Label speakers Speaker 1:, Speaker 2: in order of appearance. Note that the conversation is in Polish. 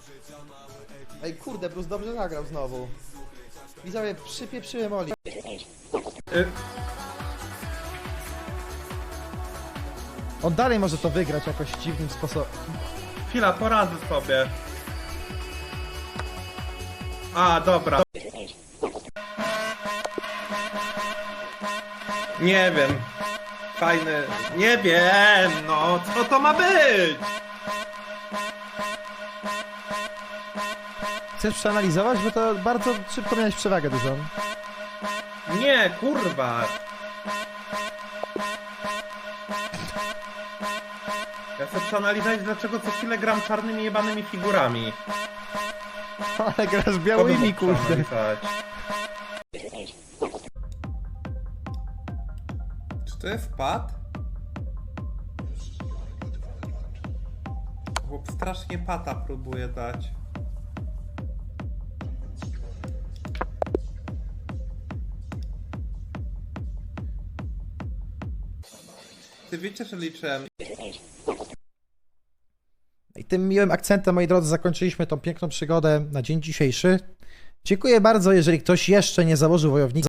Speaker 1: Ej kurde, Bruce dobrze zagrał znowu. Widzowie, przypieprzyłem Oli. On dalej może to wygrać jakoś dziwnym sposobem.
Speaker 2: Chwila, poradzę sobie. A, dobra. Nie wiem. Fajny. Nie wiem, no. Co to ma być?
Speaker 1: Chcesz przeanalizować? Bo to bardzo szybko miałeś przewagę dużą.
Speaker 2: Nie, kurwa. Ja chcę przeanalizować, dlaczego co chwilę gram czarnymi jebanymi figurami.
Speaker 1: Ale grasz
Speaker 2: To bym
Speaker 1: białymi,
Speaker 2: mógł
Speaker 1: kurde.
Speaker 2: przeanalizować. Czy to jest pad? Chłop strasznie pata próbuje dać. Ty wiecie, że liczyłem.
Speaker 1: I tym miłym akcentem, moi drodzy, zakończyliśmy tą piękną przygodę na dzień dzisiejszy. Dziękuję bardzo, jeżeli ktoś jeszcze nie założył wojownika.